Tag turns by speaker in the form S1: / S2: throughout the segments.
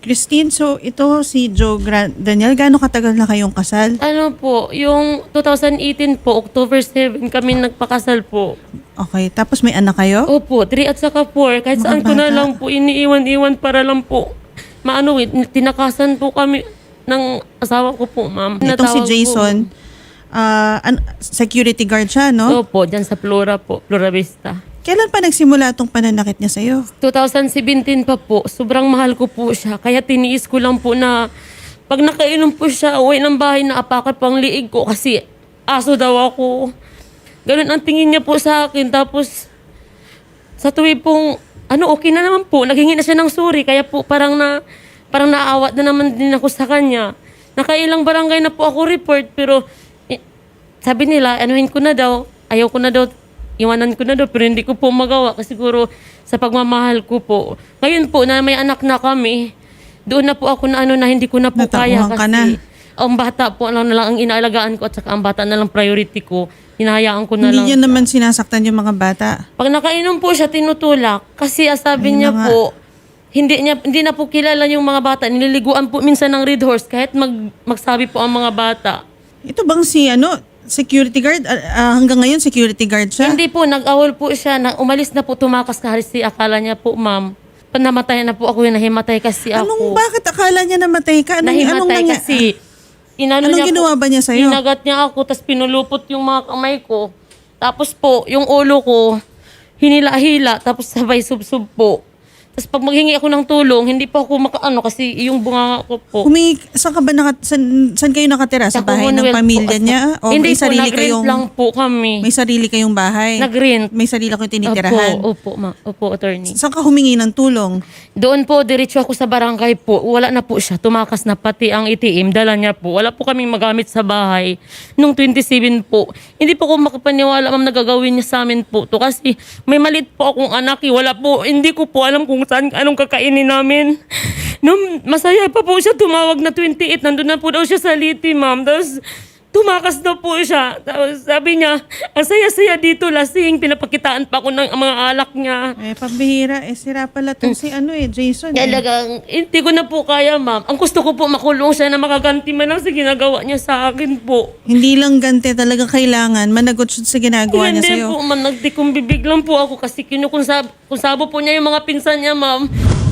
S1: Christine, so ito si Daniel, gaano katagal na kayong kasal?
S2: Ano po, yung 2018 po, October 7 kami nagpakasal po.
S1: Okay, tapos may anak kayo?
S2: Opo, 3 at saka 4. Kahit
S1: Mga
S2: saan ko na
S1: bata.
S2: lang po, iniiwan-iwan para lang po. Tinakasan po kami ng asawa ko po, ma'am.
S1: Itong si
S2: Natawag
S1: Jason, security guard siya,
S2: Po.
S1: no?
S2: Opo, dyan sa Flora po, Flora Vista.
S1: Kailan pa nagsimula itong pananakit niya sa'yo?
S2: 2017 pa po, sobrang mahal ko po siya. Kaya tiniis ko lang po na pag nakainom po siya, uwi ng bahay na apakan pang liig ko kasi aso daw ako. Ganun ang tingin niya po sa akin. Tapos sa tuwi pong, okay na naman po. Naghingi na siya ng sorry. Kaya po parang naawat na naman din ako sa kanya. Nakailang barangay na po ako report. Pero sabi nila, anuhin ko na daw. Ayaw ko na daw. Iwanan ko na daw. Pero hindi ko po magawa. Kasi siguro sa pagmamahal ko po. Ngayon po na may anak na kami. Doon na po ako na hindi ko na po kaya.
S1: Natauhan ka na.
S2: Ang bata po lang na lang ang inaalagaan ko. At saka ang bata na lang priority ko. Hinahayaan ko na lang.
S1: Hindi niya naman sinasaktan yung mga bata.
S2: Pag nakainom po siya, tinutulak. Kasi sabi
S1: Ayun
S2: niya
S1: na nga.
S2: po, hindi na po kilala yung mga bata. Nililiguan po minsan ng Red Horse kahit magsabi po ang mga bata.
S1: Ito bang si security guard? Hanggang ngayon security guard siya?
S2: Hindi po, nag-awol po siya. Umalis na po, tumakas ka si akala niya po, ma'am. Namatay na po ako, nahimatay kasi ako.
S1: Bakit akala niya namatay ka?
S2: Nahimatay kasi.
S1: Anong ginawa ba niya sa'yo?
S2: Inagat niya ako, tapos pinulupot yung mga kamay ko. Tapos po, yung ulo ko, hinila-hila, tapos sabay sub-sub po. Tapos pag maghingi ako ng tulong, hindi pa ako kasi yung bunganga ko po.
S1: Saan ka ba saan kayo nakatira? Sa bahay ng
S2: Commonwealth
S1: pamilya
S2: po.
S1: niya? O
S2: Hindi
S1: may
S2: po,
S1: sarili
S2: nag-rent
S1: kayong
S2: lang po kami.
S1: may sarili kayong bahay?
S2: Nag-rent.
S1: May sarili kayong tinitirahan?
S2: Opo, attorney.
S1: Saan ka humingi ng tulong?
S2: Doon po, diretso ako sa barangay po. Wala na po siya. Tumakas na pati ang ATM. Dala niya po. Wala po kaming magamit sa bahay. Nung 27 po. Hindi po ako makapaniwala, ma'am, nagagawin niya sa amin po to. Kasi may malit po akong anak. Wala po. Hindi ko po alam kung saan, anong kakainin namin. Nung masaya pa po siya, tumawag na 28. Nandun na po daw siya sa Liti, ma'am. Tapos tumakas na po siya. Tapos sabi niya, ang saya-saya dito, lasing. Pinapakitaan pa ako ng mga alak niya.
S1: Pambihira. Sira pala itong si Jason.
S2: Talagang, hindi ko na po kaya, ma'am. Ang gusto ko po, makulong siya na makaganti man lang sa ginagawa niya sa akin po.
S1: Hindi lang ganti talaga kailangan. Managot siya sa ginagawa niya
S2: Hindi
S1: sa'yo.
S2: po, ma'am. Nagdikumbibig lang po ako kasi kinukunsabo po niya yung mga pinsan niya, ma'am.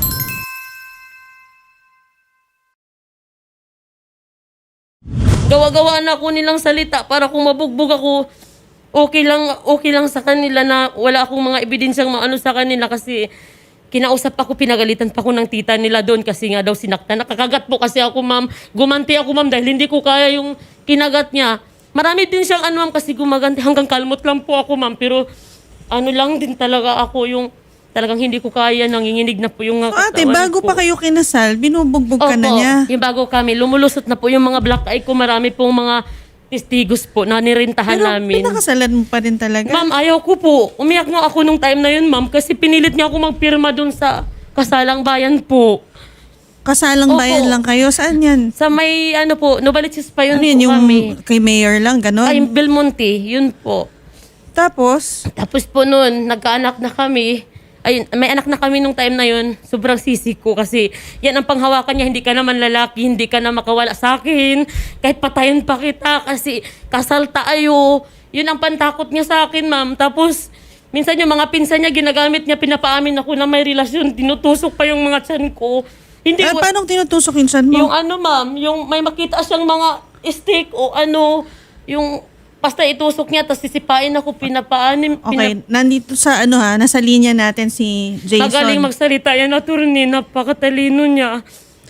S2: Gawa-gawa na ako nilang salita para kung mabugbog ako, okay lang sa kanila na wala akong mga ebidensyang maano sa kanila kasi kinausap ako, pinagalitan pa ako ng tita nila doon kasi nga daw sinaktan. Nakakagat po kasi ako, ma'am. Gumanti ako, ma'am, dahil hindi ko kaya yung kinagat niya. Marami din siyang ma'am, kasi gumaganti. Hanggang kalmot lang po ako, ma'am. Pero lang din talaga ako yung talagang hindi ko kaya, nanginginig na po yung
S1: So ate, bago pa kayo kinasal, binubugbog ka na niya.
S2: Yung bago kami, lumulusot na po yung mga black eye ko. Marami pong mga testigos po na nirintahan
S1: Pero
S2: namin.
S1: pinakasalan mo pa rin talaga.
S2: Ma'am, ayaw ko po. Umiyak nga ako nung time na yun, ma'am, kasi pinilit niya ako magpirma dun sa kasalang bayan po.
S1: Kasalang
S2: Opo.
S1: bayan lang kayo? Saan yan?
S2: Sa may, Novaliches pa yun
S1: Ano yun,
S2: po
S1: yung
S2: kami.
S1: kay mayor lang, ganon?
S2: Ay, Belmonte, yun po.
S1: Tapos,
S2: Tapos po noon, nagkaanak na kami. Ay, may anak na kami nung time na yun. Sobrang sisi ko kasi yan ang panghawakan niya. Hindi ka naman lalaki, hindi ka na makawala sa akin. Kahit patayin pa kita kasi kasal tayo. Yun ang pantakot niya sa akin, ma'am. Tapos, minsan yung mga pinsan niya, ginagamit niya, pinapaamin ako na may relasyon. Tinutusok pa yung mga tiyan ko. Hindi ko,
S1: paano tinutusok yung tiyan mo?
S2: yung ma'am, yung may makita siyang mga stick o yung basta itusok niya, tapos sisipain ako, pinapaanim.
S1: Okay, nandito sa nasa linya natin si Jason.
S2: Magaling magsalita yan, attorney. Napakatalino niya.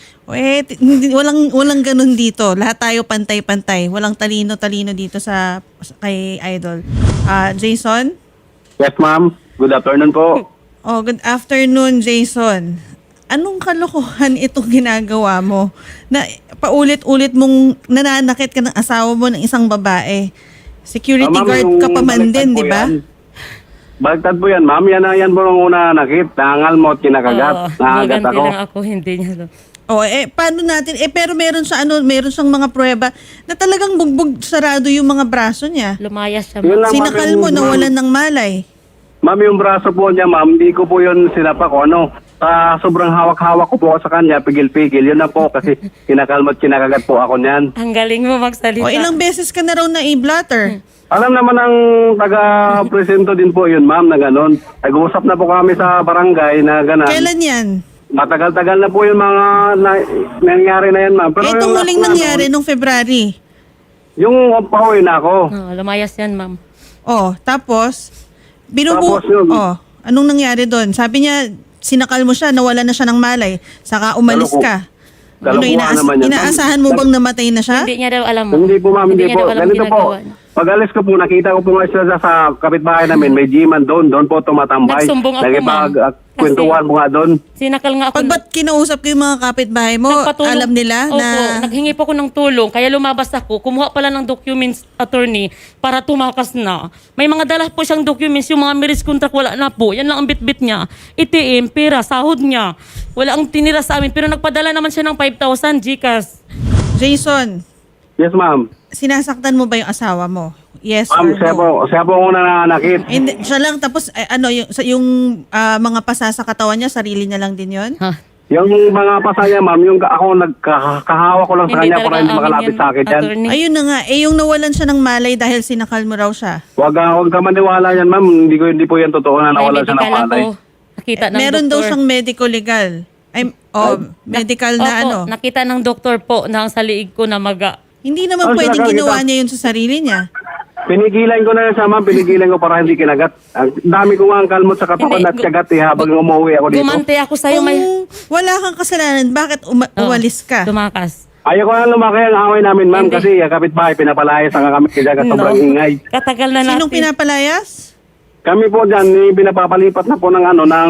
S1: Walang ganun dito. Lahat tayo pantay-pantay. Walang talino-talino dito kay Idol. Jason?
S3: Yes, ma'am. Good afternoon po.
S1: Oh, good afternoon, Jason. Anong kalokohan itong ginagawa mo? Na paulit-ulit mong nananakit ka ng asawa mo ng isang babae. Security
S3: Ma'am,
S1: guard
S3: yung
S1: ka pa man
S3: baliktad
S1: din,
S3: po
S1: di ba?
S3: yan. Baliktad po yan, ma'am. Yan po ang una nakit. Nangal mo at kinakagat. Nakagat
S2: Maganti
S3: ako.
S2: lang ako, hindi niya.
S1: Paano natin? Pero meron siyang mga prueba na talagang bugbog sarado yung mga braso niya.
S2: Lumayas siya.
S3: Yun
S2: ma'am.
S3: lang,
S1: Sinakal
S3: ma'am,
S1: mo,
S3: yung-
S1: nawalan ng malay.
S3: Ma'am, yung braso po niya, ma'am, hindi ko po yun sinapak o ano. Sa sobrang hawak-hawak ko po ako sa kanya, pigil-pigil. Yun na po kasi kinakalmat, kinakagat po ako niyan.
S2: Ang galing mo magsalita.
S1: O ilang beses ka na raw na i-blotter?
S3: Alam naman ng taga-presento din po yun, ma'am, na gano'n. Nag-uusap na po kami sa barangay na gano'n.
S1: Kailan yan?
S3: Matagal-tagal na po yung mga nangyari na yan, ma'am. Pero
S1: Itong
S3: yung
S1: huling
S3: last na
S1: nangyari nung February.
S3: yung pauwi na ako.
S2: Lumayas yan, ma'am.
S1: Oh, tapos,
S3: Tapos yun.
S1: Oh, anong nangyari doon? Sabi niya, sinakal mo siya, nawala na siya ng malay. Saka umalis ka. Ano,
S3: Kalokohan naman yan, ma'am.
S1: inaasahan mo bang namatay na siya?
S2: Hindi niya daw alam, ma'am.
S3: Hindi po, ma'am, hindi
S2: niya
S3: po.
S2: daw alam
S3: Ganito po.
S2: ginagawa niya.
S3: Pag-alis ko po, nakita ko po nga sila sa kapitbahay namin, may G-man doon po tumatambay.
S2: Nagsumbong ako, ma'am.
S3: Kwentuhan mo nga doon.
S2: Sinakal nga ako.
S1: Pag ba't kinausap ko yung mga kapitbahay mo,
S2: Nagpatulong-
S1: alam nila
S2: Opo,
S1: na...
S2: naghingi po ako ng tulong. Kaya lumabas ako. Kumuha pala ng documents, attorney, para tumakas na. May mga dala po siyang documents. Yung mga marriage contract, wala na po. Yan lang ang bit-bit niya. ITM, pera, sahod niya. Wala ang tinira sa amin. Pero nagpadala naman siya ng 5,000 GCash.
S1: Jason,
S3: Yes, ma'am.
S1: sinasaktan mo ba yung asawa mo? Yes
S3: Ma'am,
S1: or no?
S3: siya po una nanakit.
S1: Hindi, siya lang, tapos yung mga pasa sa katawan niya, sarili niya lang din yon.
S2: Ha?
S3: Yung mga pasaya, ma'am, yung ako nagkahawa ko lang sa kanya para hindi
S2: amin
S3: makalapit
S2: yan,
S3: sa akin yan.
S2: attorney.
S1: Ayun na nga, yung nawalan siya ng malay dahil sinakal mo raw siya.
S3: Huwag ka maniwala yan, ma'am. Hindi po yan totoo na
S2: May
S3: nawala siya ng
S2: medical
S3: palay.
S2: ako. Nakita ng
S1: Meron daw
S2: doktor.
S1: siyang medical legal. Medical na
S2: Opo,
S1: ano.
S2: nakita ng doktor po na sa liig ko na maga.
S1: Hindi naman
S3: Oh,
S1: pwedeng
S3: sinakal
S1: ginawa
S3: kita.
S1: niya yun sa sarili niya.
S3: Pinigilan ko na yan sa ma'am. Pinigilan ko para hindi kinagat. Ang dami ko nga ang kalmot sa katawan
S2: Hindi,
S3: at kagat habang umuwi ako dito.
S2: Gumante ako sa'yo.
S1: Kung
S2: May...
S1: wala kang kasalanan, bakit umalis ka?
S2: Tumakas.
S3: Ayaw ko na lumaki ang away namin, ma'am,
S2: Hindi.
S3: kasi kapitbahay, pinapalayas ang kami kaya sobrang ingay.
S2: Katagal na natin.
S1: Sinong pinapalayas?
S3: Kami po dyan, pinapapalipat na po ng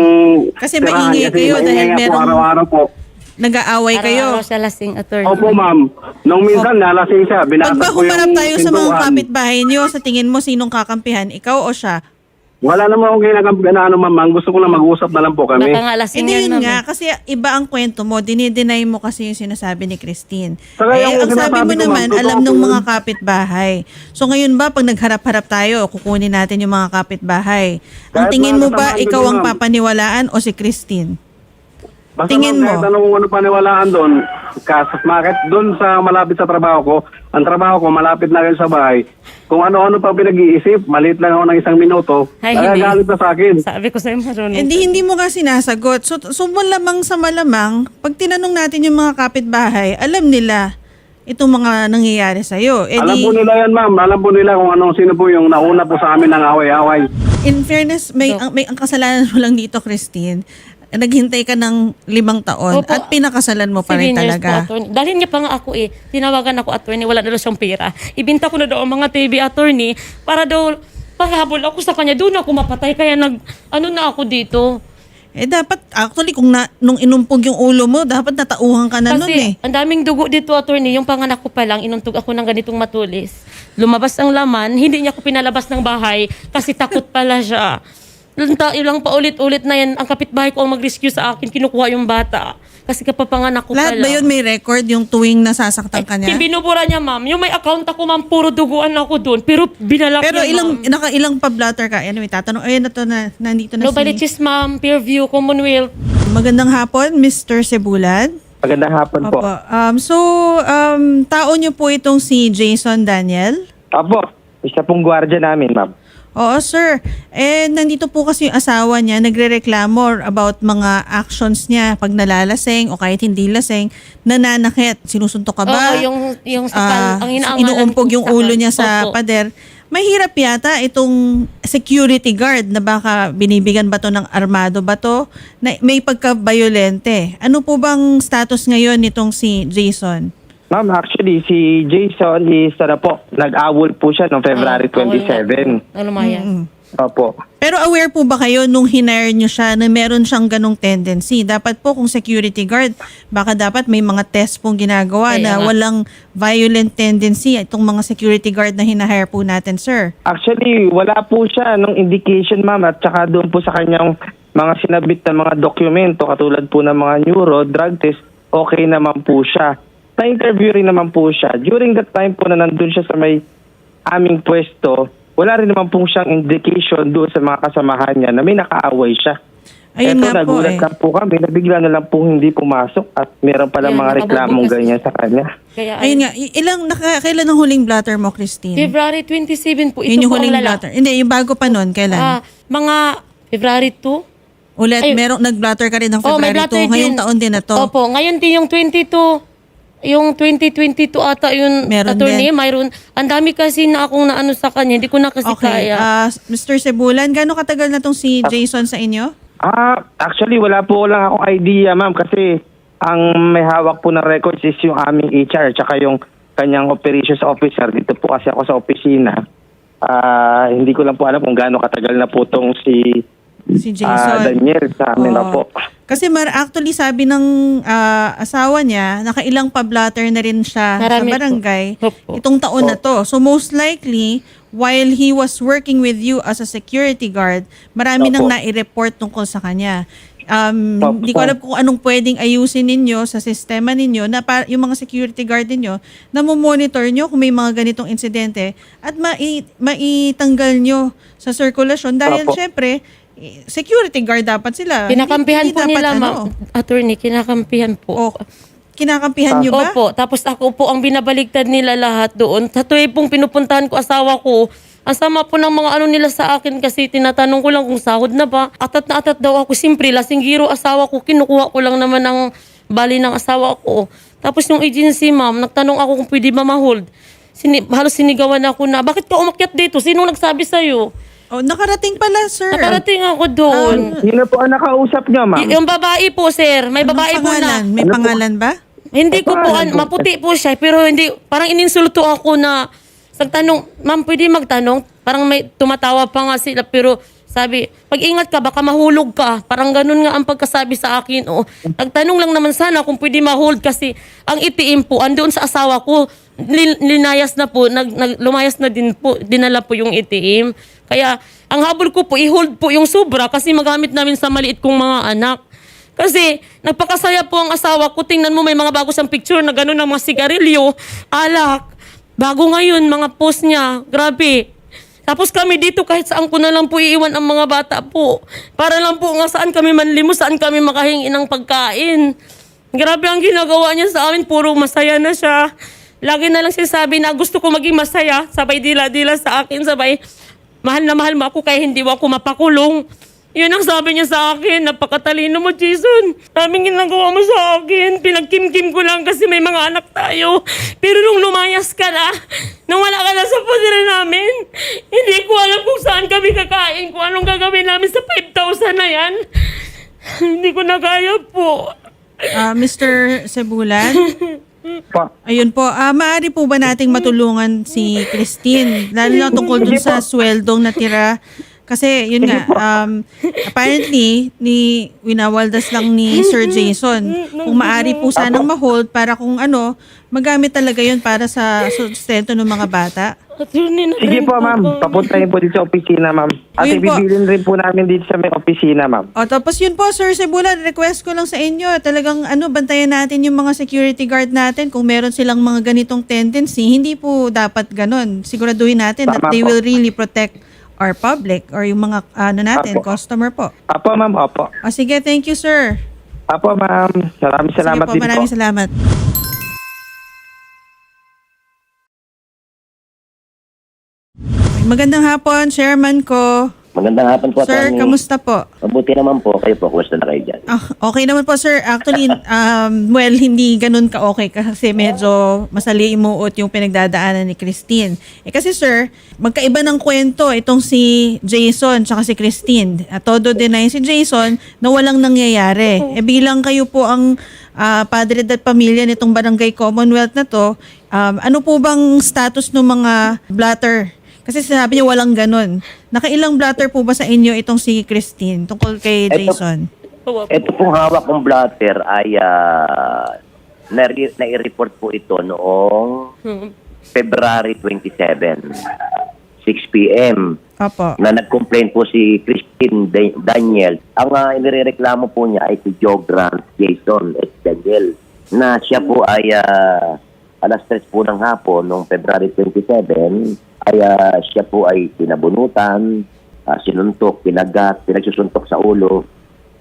S1: Kasi
S3: tirahan.
S1: maingay kayo
S3: maingay
S1: dahil
S3: nga po
S1: merong-
S3: araw-araw po.
S1: Nag-aaway kayo.
S2: Araw-araw siya lasing, attorney.
S3: Opo, ma'am. Nung minsan, nalasing siya.
S1: Pag
S3: Binasag
S1: ba
S3: ko yung
S1: humarap tayo sa mga
S3: pintuan.
S1: kapitbahay niyo, sa tingin mo, sinong kakampihan? Ikaw o siya?
S3: Wala naman akong ginagamit na ma'am. Ang gusto ko lang mag-usap na lang po kami.
S2: Baka nga lasing
S1: Hindi
S2: yan,
S1: yun
S2: ma'am.
S1: nga, kasi iba ang kwento mo. Dinideny mo kasi yung sinasabi ni Christine.
S3: Saka yung
S1: Ang sabi
S3: sinasabi
S1: mo
S3: ko,
S1: naman,
S3: ma'am,
S1: alam
S3: totoo
S1: ng
S3: po
S1: mga
S3: yun.
S1: kapitbahay. So ngayon ba, pag nagharap-harap tayo, kukunin natin yung mga kapitbahay. Ang
S3: Kahit
S1: tingin mo
S3: mga
S1: ba,
S3: kasamahan
S1: ikaw
S3: ko,
S1: ang
S3: ma'am.
S1: papaniwalaan o si Christine?
S3: Basta
S1: tingin
S3: ma'am,
S1: mo?
S3: kahit ano paniwalaan doon, kahit doon sa malapit sa trabaho ko, ang trabaho ko malapit na rin sa bahay. Kung ano-ano pa pinag-iisip, maliit lang ako ng 1 minuto,
S2: Ay, hindi.
S3: nagagalit na sa akin.
S2: Sabi ko sa'yo, marunong.
S1: Hindi mo nga sinasagot. So malamang sa malamang, pag tinanong natin yung mga kapitbahay, alam nila itong mga nangyayari sa'yo.
S3: Alam po nila yan, ma'am. Alam po nila kung sino po yung nauna po sa amin ng away-away.
S1: In fairness, ang kasalanan mo lang dito, Christine, naghintay ka ng 5 taon
S2: Opo.
S1: at pinakasalan mo pa
S2: 7
S1: rin
S2: years
S1: talaga.
S2: po, attorney. Dalhin niya pa nga ako Tinawagan ako, attorney. Wala na daw siyang pera. Ibinta ko na daw ang mga TV, attorney, para daw paghabol ako sa kanya. Doon ako mapatay. Kaya na ako dito.
S1: Dapat, actually, nung inumpog yung ulo mo, dapat natauhan ka na nun
S2: Kasi
S1: eh.
S2: ang daming dugo dito, attorney. Yung panganak ko pa lang, inuntog ako ng ganitong matulis. Lumabas ang laman, hindi niya ako pinalabas ng bahay kasi takot pala siya. Ilang paulit-ulit na yan, ang kapitbahay ko ang mag-rescue sa akin, kinukuha yung bata. Kasi kapapanganak ko
S1: Lahat
S2: pala.
S1: ba yun may record yung tuwing nasasaktan ka niya?
S2: Binubura niya, ma'am. Yung may account ako, ma'am, puro duguan ako doon. Pero binalak
S1: Pero
S2: niya, ma'am.
S1: ilang pa-blatter ka? Anyway, tatanong, ayun na to nandito na
S2: Nobody
S1: si...
S2: cheese, ma'am. Peerview, Commonwealth.
S1: Magandang hapon, Mr. Cebulan.
S4: Magandang hapon po.
S1: Opo. Tao niyo po itong si Jason Daniel?
S4: Opo, isa pong gwardiya namin, ma'am.
S1: Oo, sir. Nandito po kasi yung asawa niya, nagre-reklamo about mga actions niya pag nalalasing o kahit hindi lasing, nananakit. Sinusuntok ka ba?
S2: Oo, yung sakal. Ang inaangalan
S1: Inuumpog
S2: kong
S1: yung
S2: sakal.
S1: ulo niya sa
S2: Opo.
S1: pader. Mahirap yata itong security guard na baka binibigan ba to ng armado ba to na may pagka-violente. Ano po bang status ngayon nitong si Jason?
S4: Ma'am, actually, si Jason is, nag-awol po siya noong February 27.
S2: Ano Maya?
S4: Opo.
S1: Pero aware po ba kayo nung hinire nyo siya na meron siyang ganong tendency? Dapat po kung security guard, baka dapat may mga test pong ginagawa
S2: Kaya
S1: na
S2: nga.
S1: walang violent tendency itong mga security guard na hinahire po natin, sir.
S4: Actually, wala po siya nung indication, ma'am, at saka doon po sa kanyang mga sinabit na mga dokumento, katulad po ng mga neuro, drug test, okay naman po siya. Na-interview rin naman po siya. During that time po na nandun siya sa may aming pwesto, wala rin naman po siyang indication doon sa mga kasamahan niya na may nakaaway siya.
S1: Ayun nga po
S4: nagulat lang po kami, nabigla na lang po hindi pumasok at meron palang
S2: Ayun,
S4: mga reklamong
S2: nakabubukas.
S4: ganyan sa kanya.
S2: Kaya,
S1: Ayun nga, kailan ang huling blatter mo, Christine?
S2: February 27 po, ito
S1: Yun yung
S2: po ang
S1: huling
S2: lala.
S1: blatter. Hindi, yung bago pa nun, kailan?
S2: Mga February 2.
S1: Ulit,
S2: ay-
S1: nag-blatter ka rin ng
S2: Oh, may
S1: February
S2: blatter
S1: 2. Ngayong
S2: din.
S1: taon din na to.
S2: Opo, ngayon din yung 22. Yung 2022 ata yung
S1: Meron
S2: attorney,
S1: din.
S2: mayroon. Ang dami kasi na akong naano sa kanya, hindi ko na kasi
S1: Okay.
S2: kaya.
S1: Mr. Cebulan, gano'ng katagal na tong si Jason sa inyo?
S4: Actually, wala po lang akong idea, ma'am, kasi ang may hawak po ng records is yung aming HR tsaka yung kanyang operations officer. Dito po kasi ako sa opisina. Hindi ko lang po alam kung gaano katagal na po tong si
S1: Si Jason.
S4: Daniel sa amin na
S1: Oo.
S4: po.
S1: Kasi actually sabi ng asawa niya, nakailang pa-blatter na rin siya
S2: Marami
S1: sa barangay
S2: po. Opo.
S1: itong taon na to. So most likely, while he was working with you as a security guard, marami nang
S4: Opo.
S1: nai-report tungkol sa kanya.
S4: Opo.
S1: Hindi ko alam kung anong pwedeng ayusin ninyo sa sistema ninyo na yung mga security guard ninyo na monitor nyo kung may mga ganitong insidente at maitanggal nyo sa sirkulasyon dahil
S4: Opo.
S1: syempre security guard dapat sila.
S2: Kinakampihan
S1: Hindi
S2: po
S1: dapat
S2: nila,
S1: ano.
S2: ma'am. Attorney, kinakampihan po.
S1: O, kinakampihan nyo ba?
S2: Opo, tapos ako po ang binabaligtad nila lahat doon. Sa tuwing pong pinupuntahan ko asawa ko, ang sama po ng mga ano nila sa akin kasi tinatanong ko lang kung sahod na ba. Atat na atat daw ako. Siyempre, lasinggiro asawa ko, kinukuha ko lang naman ang bali ng asawa ko. Tapos yung agency, ma'am, nagtanong ako kung pwede ba ma-hold. Halos sinigawan ako na, bakit ka umakyat dito? Sino nagsabi sa'yo?
S1: Oh, nakarating pala, sir.
S2: Nakarating ako doon.
S4: Sino po ang nakausap niyo, ma'am?
S2: Yung babae po, sir. May
S1: Anong
S2: babae po na.
S1: pangalan? May pangalan ba?
S2: Hindi ko po,
S4: Paano?
S2: maputi po siya, pero hindi, parang ininsulto ako na, tanong, ma'am, pwede magtanong? Parang may tumatawa pa nga sila, pero sabi, pag-ingat ka, baka mahulog ka. Parang ganun nga ang pagkasabi sa akin. O, nagtanong lang naman sana kung pwede ma-hold kasi ang itiim po, andoon sa asawa ko, linayas na po, lumayas na din po, dinala po yung itiim. Kaya, ang habol ko po, i-hold po yung sobra kasi magamit namin sa maliit kong mga anak. Kasi, nagpakasaya po ang asawa ko. Tingnan mo, may mga bago siyang picture na gano'n ng mga sigarilyo, alak. Bago ngayon, mga post niya. Grabe. Tapos kami dito, kahit saan ko na lang po iiwan ang mga bata po. Para lang po nga saan kami manlimos, saan kami makahingi ng pagkain. Grabe ang ginagawa niya sa amin. Puro masaya na siya. Lagi na lang sinasabi na gusto ko maging masaya. Sabay dila-dila sa akin. Sabay, mahal na mahal mo ako kaya hindi ako mapakulong. Yun ang sabi niya sa akin. Napakatalino mo, Jason. Daming ginagawa mo sa akin. Pinagkim-kim ko lang kasi may mga anak tayo. Pero nung lumayas ka na, nung wala ka na sa position namin, hindi ko alam kung saan kami kakain, kung anong gagawin namin sa 5,000 na yan. Hindi ko na kaya po.
S1: Mr. Cebulan?
S4: Pa.
S1: Ayun po. Maaari po ba nating matulungan si Christine? Lalo na tungkol dun sa sweldong natira. Kasi yun nga, apparently, winawaldas lang ni Sir Jason. Kung maaari po sanang ma-hold para kung ano, magamit talaga yun para sa sustento ng mga bata.
S2: Attorney,
S4: Sige po, ma'am. Papuntahin po dito sa opisina, ma'am. At
S1: Ayun po.
S4: ibibilin rin po namin dito sa may opisina, ma'am.
S1: O, tapos yun po, Sir Cebulan, request ko lang sa inyo, talagang bantayan natin yung mga security guard natin. Kung meron silang mga ganitong tendency, hindi po dapat ganun. Siguraduhin natin that
S4: Tama
S1: they
S4: po.
S1: will really protect our public or yung mga natin,
S4: Apo.
S1: customer po.
S4: Apo, ma'am. Opo.
S1: O sige, thank you, sir.
S4: Apo, ma'am. Maraming salamat
S1: Sige po,
S4: din
S1: maraming
S4: po.
S1: salamat. Magandang hapon, chairman ko.
S5: Magandang hapon po,
S1: Sir,
S5: Atty.
S1: kamusta po?
S5: Mabuti naman po. Kayo po, kumusta na kayo dyan?
S1: Okay naman po, sir. Actually, well, hindi ganun ka-okay kasi medyo masalimuot yung pinagdadaanan ni Christine. Kasi, sir, magkaiba ng kwento itong si Jason tsaka si Christine. Todo deny si Jason na walang nangyayari. Bilang kayo po ang padre at pamilya nitong Barangay Commonwealth na to, ano po bang status ng mga blatter? Kasi sinabi niya walang ganun. Nakailang blatter po ba sa inyo itong si Christine tungkol kay Jason?
S5: Ito pong hawak kong blatter ay nai-report po ito noong February 27, 6 p.m.
S1: Opo.
S5: na nag-complain po si Christine Daniel. Ang inireklamo po niya ay si Joe Grant Jason at Daniel na siya po ay alas 3 po ng hapon noong February 27 ay siya po ay pinabunutan, sinuntok, pinagat, pinagsusuntok sa ulo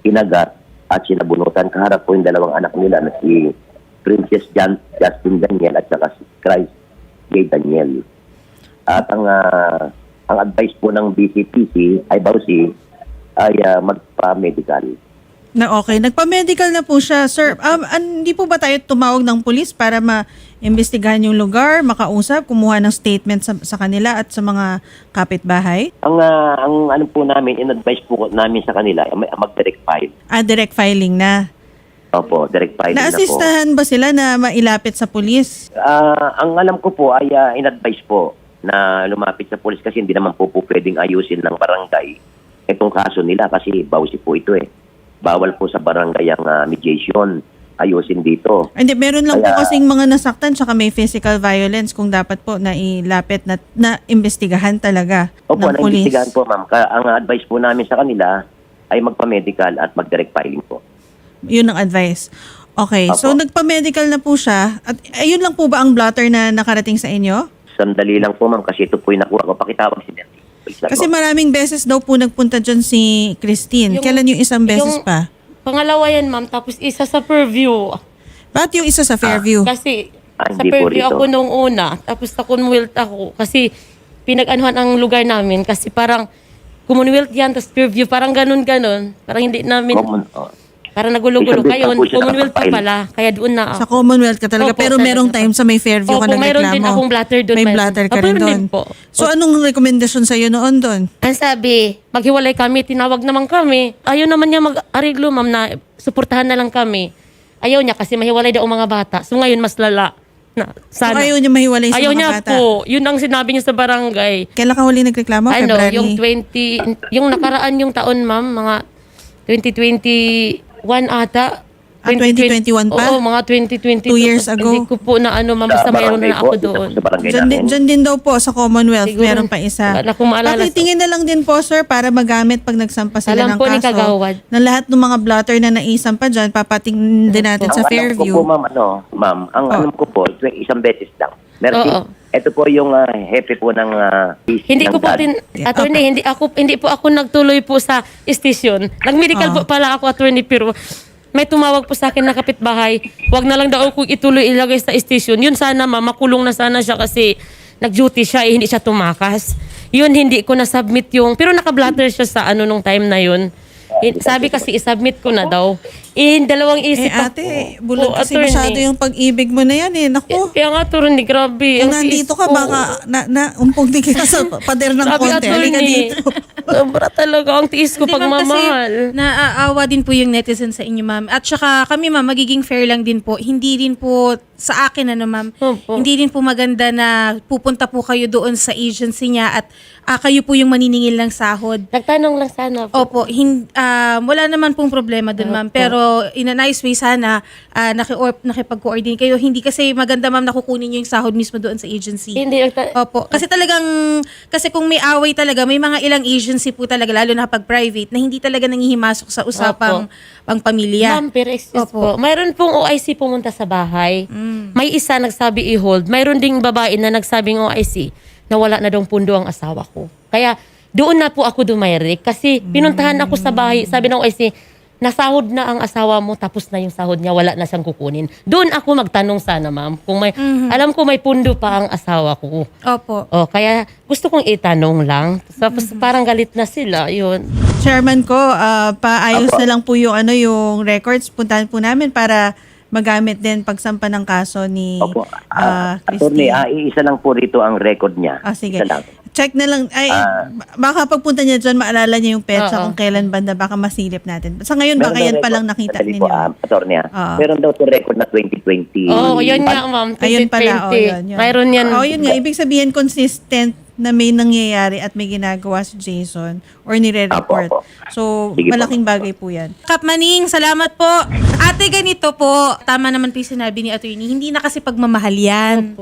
S5: kinagat at sinabunutan. Kaharap po yung dalawang anak nila na si Princess Justin Daniel at saka si Christ J. Daniel. At ang advice po ng BCPC ay Bausi ay magpa-medical.
S1: Na okay. Nagpa-medical na po siya, sir. Hindi po ba tayo tumawag ng pulis para ma-imbestigahan yung lugar, makausap, kumuha ng statement sa kanila at sa mga kapitbahay?
S5: Ang ano po namin, in-advise po namin sa kanila, mag-direct file.
S1: Direct filing na.
S5: Opo, direct filing na po.
S1: Naasistahan ba sila na mailapit sa pulis?
S5: Ang alam ko po ay in-advise po na lumapit sa pulis kasi hindi naman po pwedeng ayusin ng barangay itong kaso nila kasi Bausi po ito eh. Bawal po sa barangay ang mediation. Ayusin dito.
S1: Hindi, meron lang po kasing mga nasaktan tsaka may physical violence kung dapat po na ilapit na imbestigahan talaga
S5: Opo,
S1: ng pulis.
S5: na-investigahan po ma'am. Ang advice po namin sa kanila ay magpa-medical at mag-direct filing po.
S1: Yun ang advice. Okay,
S5: Opo.
S1: so nagpa-medical na po siya. At ayun lang po ba ang blotter na nakarating sa inyo?
S5: Sandali lang po ma'am kasi ito po yung nakuha ko. Pakitawag si Nancy.
S1: Kasi maraming beses daw po nagpunta dyan si Christine. Kailan yung isang beses pa?
S2: Pangalawa yan, ma'am. Tapos isa sa Fairview.
S1: Bakit yung isa sa Fairview?
S2: Kasi sa
S5: hindi po
S2: Fairview
S5: rito.
S2: ako nung una. Tapos sa Commonwealth ako. Kasi pinag-anuhan ang lugar namin. Kasi parang Commonwealth yan, tapos Fairview. Parang ganun-ganun. Parang hindi namin... Parang nagulo-gulo.
S5: Isang
S2: Kayo,
S5: beses po siya
S2: Commonwealth pa
S5: nakapile.
S2: pala. Kaya doon na
S1: Sa
S2: ako.
S1: Commonwealth ka talaga.
S2: Opo,
S1: Pero
S2: talaga.
S1: merong time sa may Fairview ka
S2: Opo, mayroon
S1: nagreklamo.
S2: din akong blatter doon.
S1: May
S2: Mayroon.
S1: blatter ka
S2: Opo,
S1: rin
S2: meron
S1: doon.
S2: din po.
S1: So anong rekomendasyon sa'yo noon doon?
S2: Ang sabi, maghiwalay kami, tinawag naman kami. Ayaw naman niya mag-ariglo, ma'am, na suportahan na lang kami. Ayaw niya kasi mahiwalay daw ang mga bata. So ngayon, mas lala. Na,
S1: So
S2: sana.
S1: ayaw niya mahiwalay sa
S2: Ayaw
S1: mga
S2: niya
S1: bata?
S2: po. Yun ang sinabi niya sa barangay.
S1: Kailan ka huli nagreklamo?
S2: Ano,
S1: February?
S2: yung 20, yung nakaraan yung taon, ma'am, mga 2021 ata.
S1: 2021 pa?
S2: Oo, mga 2022.
S1: 2 years ago?
S2: Hindi ko po na ano, ma'am,
S5: Sa
S2: basta mayroon
S5: barangay
S2: na
S5: po,
S2: ako doon.
S5: Sa barangay
S1: Diyan
S5: namin.
S1: din daw po sa Commonwealth.
S2: Siguro.
S1: Meron pa isa.
S2: Wala akong maalala.
S1: Pakitingin na lang din po, sir, para magamit pag nagsampa sila
S2: Alam
S1: ng
S2: po ni
S1: kaso.
S2: Kagawad.
S1: Na lahat ng mga blotter na naisampa dyan, papatingin din natin sa
S5: Ang alam
S1: Fairview.
S5: ko po, ma'am, ang alam ko po, isang beses lang. Meron
S2: Oo.
S5: ito po yung hepe po ng
S2: Hindi ko po
S5: ng
S2: din, attorney, hindi po ako nagtuloy po sa station. Nag-medical po pala ako, attorney, pero may tumawag po sa akin na kapitbahay, wag na lang daw ako ituloy ilagay sa station. Yun sana, ma'am, makulong na sana siya kasi nag-duty siya, hindi siya tumakas. Yun, hindi ko na-submit yung, pero naka-blatter siya sa ano nung time na yun. Sabi kasi i-submit ko na daw. Dalawang isip
S1: Ate, bulag
S2: Oo,
S1: kasi
S2: attorney.
S1: masyado yung pag-ibig mo na yan eh. Naku,
S2: Kaya nga, attorney, grabe.
S1: kung
S2: Ang
S1: nandito
S2: tiis
S1: ka,
S2: ko.
S1: baka umpong di ka sa pader ng
S2: Sabi,
S1: konti. Halika
S2: attorney,
S1: dito.
S2: sobra talaga ang tiis ko
S6: Hindi, ma'am,
S2: pagmamahal.
S6: Kasi naaawa din po yung netizen sa inyo, ma'am. At saka kami, ma'am, magiging fair lang din po. Hindi din po sa akin, ano, ma'am.
S2: Opo.
S6: Hindi din po maganda na pupunta po kayo doon sa agency niya at kayo po yung maniningil ng sahod.
S2: Nagtanong lang sana po.
S6: Opo, wala naman pong problema dun, ma'am. Pero in a nice way sana, nakipag-coordinate kayo. Hindi kasi maganda, ma'am, nakukunin nyo yung sahod mismo doon sa agency.
S2: Hindi,
S6: Opo. Kasi kung may away talaga, may mga ilang agency po talaga, lalo na pag private, na hindi talaga nangihimasok sa usapang pangpamilya.
S2: Ma'am, pero excuse
S6: Opo.
S2: po. Mayroon pong OIC pumunta sa bahay. May isa nagsabi i-hold. Mayroon ding babae na nagsabing OIC na wala na daw pundo ang asawa ko. Kaya doon na po ako dumayrik kasi pinuntahan ako sa bahay. Sabi ng OIC, nasahod na ang asawa mo tapos na yung sahod niya, wala na siyang kukunin. Doon ako magtanong sana, ma'am. Kung may, alam ko may pundo pa ang asawa ko.
S6: Opo.
S2: Oh, kaya gusto kong itanong lang. Tapos parang galit na sila, yun.
S1: Chairman ko, paayos na lang po yung yung records. Puntahan po namin para magamit din pagsampa ng kaso ni
S5: Opo. Attorney,
S1: Christine.
S5: iisa lang po rito ang record niya.
S1: Sige.
S5: Isa lang.
S1: Check na lang. Ay, baka pagpunta niya dyan, maalala niya yung petsa
S2: Oo.
S1: kung kailan banda. Baka masilip natin. Sa ngayon, baka
S5: Meron
S1: yan
S5: daw
S1: pa lang
S5: record-
S1: nakita
S5: sandali
S1: ninyo.
S5: po, attorney,
S1: Oo.
S5: meron daw to record na 2020.
S2: Oh, yun nga, ma'am. 2020.
S1: Ayun pala. Yun.
S2: Mayroon yan.
S1: Yun nga. Ibig sabihin, consistent na may nangyayari at may ginagawa si Jason or nire-report.
S5: Apo.
S1: So,
S5: Sige po.
S1: malaking bagay po yan.
S6: Kap Maning, salamat po. Ate, ganito po. Tama naman po yung sinabi ni attorney. Hindi na kasi pagmamahal yan.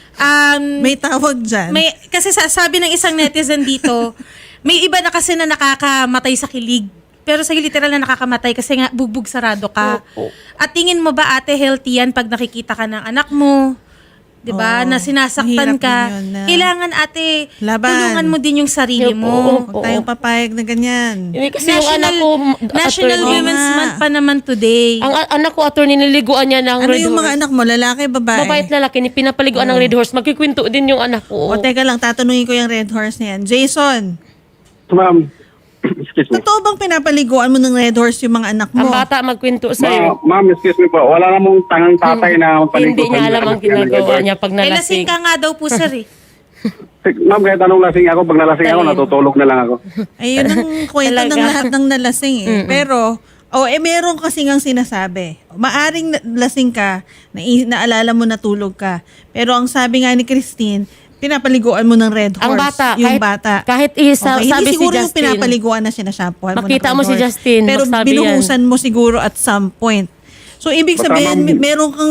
S1: May tawag dyan.
S6: Kasi sabi ng isang netizen dito, may iba na kasi na nakakamatay sa kilig. Pero sa literal na nakakamatay kasi nga bugbog sarado ka.
S2: Opo.
S6: At tingin mo ba, ate, healthy yan pag nakikita ka ng anak mo 'di ba?
S1: Oo.
S6: Na sinasaktan
S1: Mahirap
S6: ka.
S1: din yun na-
S6: Kailangan ate,
S1: Laban.
S6: tulungan mo din yung sarili
S2: Opo,
S6: mo.
S2: opo.
S1: Huwag tayong papayag na ganyan.
S2: Hindi kasi yung anak ko,
S6: National
S2: attorney.
S6: Women's
S1: Oo nga.
S6: Month pa naman today.
S2: Ang anak ko, attorney, niliguan niya ng
S1: Ano
S2: Red
S1: yung
S2: Horse.
S1: mga anak mo? Lalaki, babae?
S2: Babae at lalaki, pinapaliguan ng Red Horse. Magkikwento din yung anak ko.
S1: O teka lang, tatanungin ko yung Red Horse na yan. Jason,
S3: Ma'am, excuse me.
S1: totoo bang pinapaliguan mo ng Red Horse yung mga anak
S2: Ang
S1: mo?
S2: bata magkwento sa'yo.
S3: Ma'am, excuse me po. Wala namang tangang tatay na
S2: Hindi niya alam ang ginagawa niya pag
S6: Eh, lasing
S2: nalasing.
S6: ka nga daw po, sir eh.
S3: Ma'am, kahit anong lasing ako, pag nalasing ako,
S2: Tayin.
S3: natutulog na lang ako.
S1: Ayun ang kwento ng
S2: Talaga.
S1: lahat ng nalasing eh. Pero, meron kasi ngang sinasabi. Maaring lasing ka, naalala mo natulog ka. Pero ang sabi nga ni Christine, pinapaliguan mo ng Red Horse.
S2: Ang bata,
S1: Yung
S2: kahit-
S1: bata.
S2: kahit
S1: Okay,
S2: sabi
S1: hindi
S2: si
S1: siguro yung
S2: Justin.
S1: pinapaliguan na sinashampuan mo ng
S2: Makita
S1: Red
S2: mo si
S1: Horse.
S2: Justin,
S1: Pero
S2: magsabi
S1: binuhusan mo siguro at some point. So, ibig
S3: Basta,
S1: sabihin,
S3: ma'am,
S1: meron kang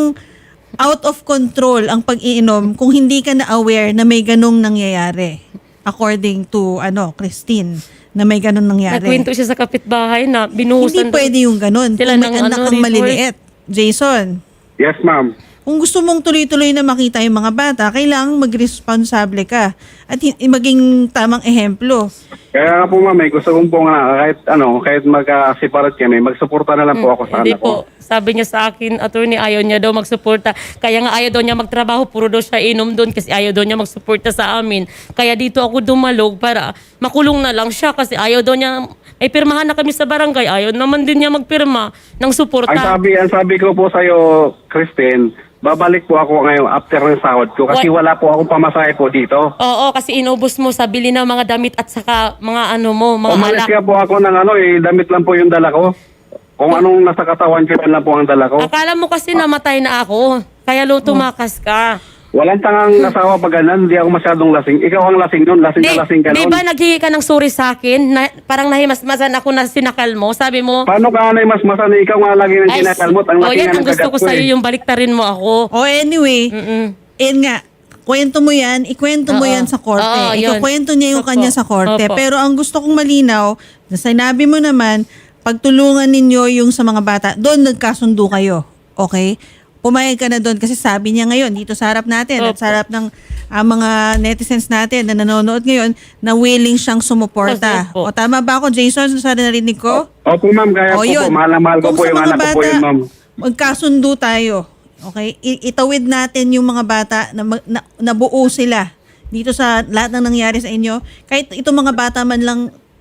S1: out of control ang pag-iinom kung hindi ka na aware na may ganong nangyayari. According to, Christine, na may ganong nangyari.
S2: Nagkwento siya sa kapitbahay na
S1: Hindi
S2: binuhusan.
S1: pwede yung ganon.
S2: Sila
S1: Kung may
S2: ng
S1: anak kang
S2: Red Horse.
S1: maliliit. Jason,
S3: Yes, ma'am.
S1: kung gusto mong tuloy-tuloy na makita yung mga bata, kailangang mag-responsable ka at maging tamang ehemplo.
S3: Kaya nga po ma'am, gusto kong po nga, kahit mag-separate kami, magsuporta na lang po ako sa
S2: Hindi
S3: anak ko.
S2: po. Sabi niya sa akin, attorney, ayaw niya daw magsuporta. Kaya nga ayaw daw niya magtrabaho, puro daw siya inom doon kasi ayaw daw niya magsuporta sa amin. Kaya dito ako dumalog para makulong na lang siya kasi ayaw daw niya, ay pirmahan na kami sa barangay, ayaw naman din niya magpirma ng suporta.
S3: Ang sabi ko po sa'yo, Christine, babalik po ako ngayon after ng sahod ko kasi wala po akong pamasahe po dito.
S2: Oo, kasi inubos mo sa bili ng mga damit at saka mga mga
S3: Umalis
S2: alak.
S3: kaya po ako ng damit lang po yung dala ko. Kung anong nasa katawan ko, yan lang po ang dala ko.
S2: Akala mo kasi namatay na ako, kaya tumakas ka.
S3: Walang tangang asawa pag ganun, hindi ako masyadong lasing. Ikaw ang lasing nun, lasing ka
S2: Di
S3: nun.
S2: ba naghingi ka ng sorry sa akin? Na, parang nahimasmasan ako na sinakal mo. Sabi mo,
S3: Paano ka na mas masana? Ikaw nga lagi ng kinakalmot. Ang laki
S2: yan
S3: nga
S2: ang
S3: ng
S2: gusto
S3: kagat
S2: ko sa'yo,
S3: eh.
S2: yung baliktarin mo ako.
S1: Anyway, nga, kwento mo yan, ikwento mo
S2: Oo.
S1: yan sa korte.
S2: Oo, yun.
S1: Ikukwento niya yung
S2: Opo.
S1: kanya sa korte.
S2: Opo.
S1: Pero ang gusto kong malinaw, na sinabi mo naman, pagtulungan ninyo yung sa mga bata, doon nagkasundo kayo. Okay? Pumayag ka na doon kasi sabi niya ngayon, dito sa harap natin, at
S2: Opo.
S1: sa harap ng mga netizens natin na nanonood ngayon, na willing siyang sumuporta.
S2: Opo.
S1: O tama ba ako, Jason, sa narinig ko?
S3: Opo ma'am, kaya po po. Mahal na mahal ko
S1: Kung
S3: po
S1: sa
S3: yung
S1: mga
S3: anak ko po
S1: bata,
S3: yun ma'am.
S1: magkasundo tayo. Okay? Itawid natin yung mga bata na, nabuo sila dito sa lahat ng nangyari sa inyo. Kahit itong mga bata man lang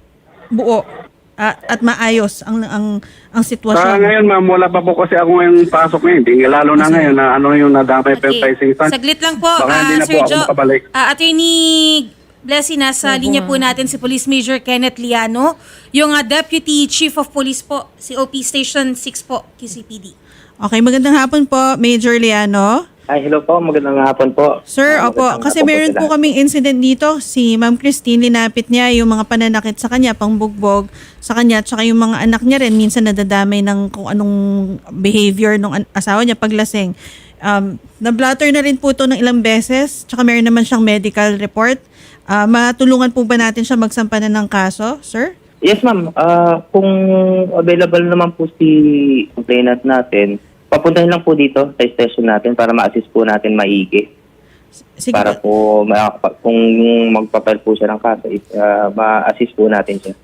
S1: buo at maayos ang
S3: Sa
S1: sitwasyon.
S3: ngayon ma'am, wala pa po kasi ako ngayong pasok ngayon. Hindi, lalo na ngayon na yung nadamay pa yung pricing stand.
S6: Saglit lang po,
S3: Baka hindi na po
S6: Sir
S3: ako
S6: Joe.
S3: makabalik.
S6: Attorney Blessy, nasa linya po natin si Police Major Kenneth Liano, yung Deputy Chief of Police po, COP Station 6 po, QCPD.
S1: Okay, magandang hapon po, Major Liano.
S7: Ay, hello po. Magandang hapon po.
S1: Sir, opo,
S7: Magandang
S1: kasi
S7: hapon
S1: meron
S7: sila.
S1: po kaming incident dito. Si Ma'am Christine, linapit niya yung mga pananakit sa kanya, pangbugbog sa kanya, tsaka yung mga anak niya rin, minsan nadadamay ng kung anong behavior ng asawa niya paglasing. Na-blatter na rin po ito ng ilang beses, tsaka meron naman siyang medical report. Matulungan po ba natin siya magsampa na ng kaso, sir?
S7: Yes, ma'am. Kung available naman po si complainant natin, papuntahin lang po dito sa station natin para ma-assist po natin maigi.
S1: Sige,
S7: Para po, kung magpapile po siya ng kaso, ma-assist po natin siya.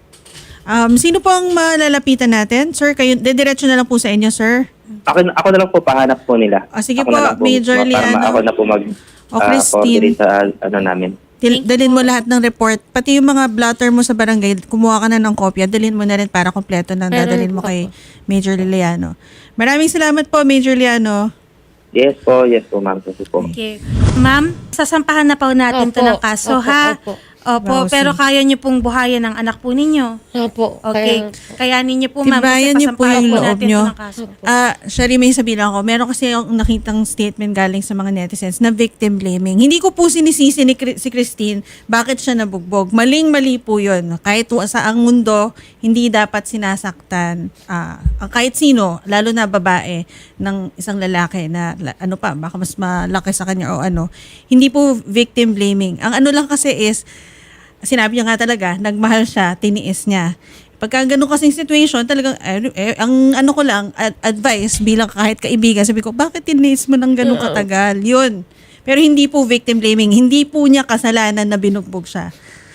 S1: sino po ang malalapitan natin? Sir, kayo, dediretso na lang po sa inyo, sir.
S7: Ako na lang po pahanap po nila.
S1: Sige
S7: Ako
S1: po,
S7: na lang
S1: Major
S7: para
S1: Liano.
S7: ako na po
S1: Christine.
S7: coordinate sa namin.
S1: Dalhin mo lahat ng report. Pati yung mga blotter mo sa barangay, kumuha ka na ng kopya, dalhin mo na rin para kompleto na dadalhin mo kay Major Liano. Maraming salamat po, Major Liano.
S7: Yes po, ma'am. Kasi po.
S6: Okay. Ma'am, sasampahan na po natin to
S2: Opo,
S6: ng kaso,
S2: opo,
S6: ha?
S2: opo.
S1: Wow,
S6: Pero kaya niyo pong buhayan ang anak po ninyo.
S2: Opo.
S6: Okay. Kaya ninyo po, ma'am,
S1: Tibayan niyo po
S6: pasampahan
S1: yung loob
S6: natin
S1: niyo.
S6: to ng kaso.
S1: Shari, may sabihin ako. Meron kasi yung nakitang statement galing sa mga netizens na victim blaming. Hindi ko po sinisisi si Christine bakit siya nabugbog. Maling-mali po yun. Kahit sa ang mundo, hindi dapat sinasaktan kahit sino, lalo na babae ng isang lalaki na baka mas malaki sa kanya o ano. Hindi po victim blaming. Ang ano lang kasi is, sinabi niya nga talaga, nagmahal siya, tiniis niya. Pagka ganun kasing situation, talagang, ang ano ko lang, advice bilang kahit kaibigan, sabi ko, bakit tiniis mo ng ganun katagal? Yun. Pero hindi po victim blaming. Hindi po niya kasalanan na binugbog siya.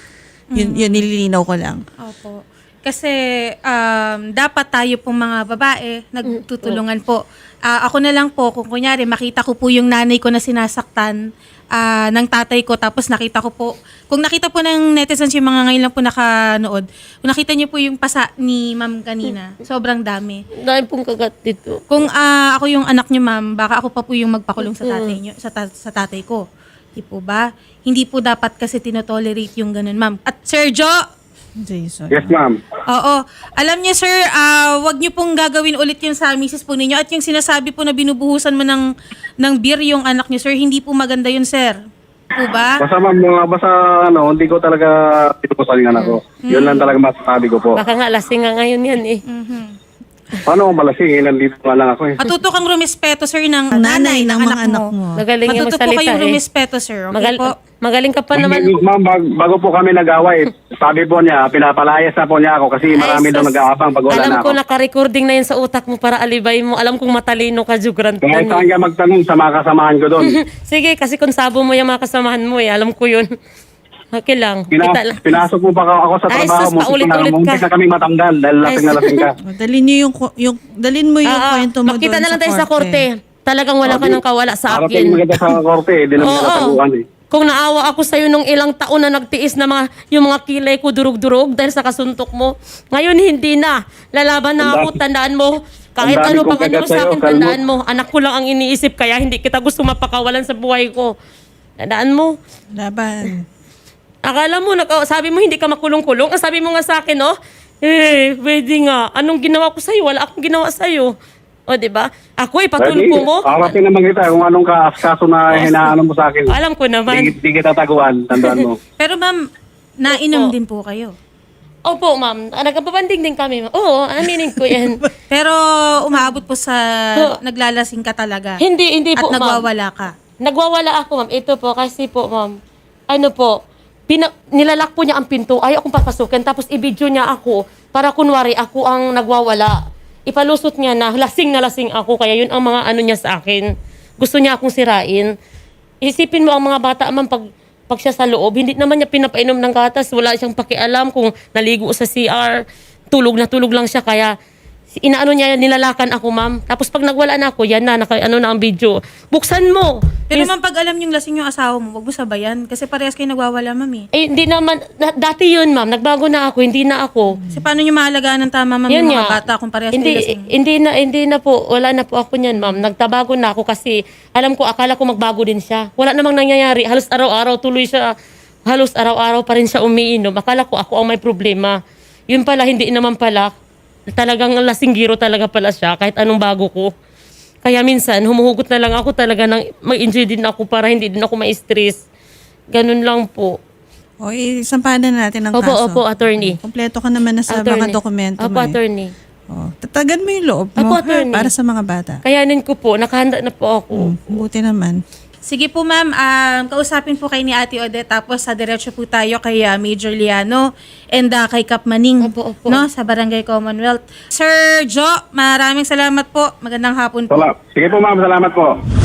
S1: Yun nililinaw ko lang.
S6: Opo. Kasi dapat tayo pong mga babae nagtutulungan po. Ako na lang po, kung kunyari makita ko po yung nanay ko na sinasaktan ng tatay ko, tapos nakita ko po, kung nakita po ng netizens yung mga ngayon lang po nakanood, kung nakita niyo po yung pasa ni ma'am kanina, sobrang dami.
S2: Dahil pong kagat dito.
S6: Kung ako yung anak niyo, ma'am, baka ako pa po yung magpakulong sa tatay niyo, sa tatay ko. Di po ba? Hindi po dapat kasi tinotolerate yung ganun, ma'am. At Sir Jo,
S1: Jason.
S3: Yes, ma'am.
S6: oo. Alam niyo, sir, wag niyo pong gagawin ulit yun sa misis po ninyo. At yung sinasabi po na binubuhusan mo ng beer yung anak niyo, sir, hindi po maganda yun, sir. Po ba?
S3: Basta ma'am, basta hindi ko talaga pinukusan yung anak ko. Yun lang talaga masasabi ko po.
S2: Baka nga lasing nga ngayon yan eh.
S3: Paano kung malasing? Nandito nga lang ako eh.
S6: Matuto kang rumispeto, sir, ng
S1: Ang nanay ng mga anak mo.
S2: Magaling yung
S6: Matuto po
S2: magsalita
S6: kayong
S2: eh.
S6: rumispeto, sir. Okay po?
S2: Magaling ka pa naman.
S3: Ma'am, bago po kami nag-away, sabi po niya, pinapalayas na po niya ako kasi marami daw
S2: sus.
S3: nag-aabang pag wala
S2: Alam
S3: na
S2: ko,
S3: ako.
S2: naka-recording na yun sa utak mo para alibay mo. Alam kong matalino ka, Jugran.
S3: Kaya saan ka magtanong sa mga kasamahan ko doon.
S2: Sige, kasi kung sabo mo yung mga kasamahan mo eh. Alam ko yun. Okay lang. Kita lang.
S3: Pinasok mo pa ako sa
S2: Ay,
S3: trabaho.
S2: sus, paulit-ulit ka.
S3: Muntik na kaming matanggal dahil lasing na lasing ka.
S1: Dalhin niyo dalhin mo yung kwento mo
S2: Makita
S1: doon
S2: na lang tayo sa korte. Talagang wala ka ng kawala sa
S3: Parating
S2: akin.
S3: maganda sa korte, di naman nataguan eh.
S2: Kung naawa ako sa'yo nung ilang taon na nagtiis na yung mga kilay ko durug-durug dahil sa kasuntok mo, ngayon hindi na. Lalaban na ako, tandaan mo. Kahit
S3: Ang dami
S2: ano
S3: kong
S2: pang ano
S3: kagat
S2: sa
S3: sa'yo,
S2: akin, tandaan mo. Anak ko lang ang iniisip, kaya hindi kita gusto mapakawalan sa buhay ko. Tandaan mo.
S1: Laban.
S2: Akala mo, sabi mo hindi ka makulong-kulong. Ang sabi mo nga sa akin, pwede nga. Anong ginawa ko sa'yo? Wala akong ginawa sa'yo. O, diba? Ako, ipatulpo mo.
S3: Harapin naman kita kung anong kaso na hinaano mo sa akin.
S2: Alam ko naman.
S3: Di kita taguan, tandaan mo.
S6: Pero ma'am, nainom din po kayo.
S2: Opo, ma'am. Nagkababanding din kami, ma'am. Oo, aminin ko yan.
S6: Pero umaabot po sa naglalasing ka talaga.
S2: Hindi
S6: At
S2: po, ma'am.
S6: nagwawala ka.
S2: Nagwawala ako, ma'am. Ito po, kasi po, ma'am. Ano po, nilalak po niya ang pinto. Ayaw akong papasukin. Tapos i-video niya ako para kunwari ako ang nagwawala. Ipalusot niya na lasing ako. Kaya yun ang mga ano niya sa akin. Gusto niya akong sirain. Isipin mo ang mga bata, ma'am, pag siya sa loob, hindi naman niya pinapainom ng gatas. Wala siyang pakialam kung naligo sa CR. Tulog na tulog lang siya. Kaya inaano niya, nilalakan ako, ma'am. Tapos pag nagwala na ako, yan na, ano na ang video. Buksan mo!
S6: Pero ma'am, pag alam yung lasing yung asawa mo, wag mo sabayan. Kasi parehas kayo nagwawala, ma'am eh.
S2: Hindi naman, dati yun, ma'am. Nagbago na ako, hindi na ako.
S6: Kasi paano nyo mahalagaan ng tama, ma'am,
S2: Yun
S6: yung mga
S2: nga.
S6: bata kung parehas kayo lasing?
S2: Hindi na po, wala na po ako niyan, ma'am. Nagtabago na ako kasi alam ko, akala ko magbago din siya. Wala namang nangyayari. Halos araw-araw tuloy siya. Halos araw-araw pa rin siya umiinom. Akala ko ako ang may problema. Yun pala, hindi naman pala. Talagang lasinggiro talaga pala siya kahit anong bago ko. Kaya minsan, humuhugot na lang ako talaga ng mag-enjoy din ako para hindi din ako ma-stress. Ganun lang po.
S1: O, isampahan na natin ang
S2: Opo,
S1: kaso.
S2: opo, attorney.
S1: Kompleto ka naman na sa mga dokumento
S2: Opo,
S1: mo.
S2: attorney.
S1: O, tatagan mo yung loob mo
S2: Opo,
S1: ha,
S2: attorney.
S1: para sa mga bata.
S2: Kayanin ko po, nakahanda na po ako.
S1: Buti naman.
S6: Sige po ma'am, kausapin po kayo ni Ate Odette tapos sa diretso po tayo kay Major Liano and kay Kap Maning
S2: Opo.
S6: no, sa Barangay Commonwealth. Sir Jo, maraming salamat po. Magandang hapon po.
S3: Sige po ma'am, salamat po.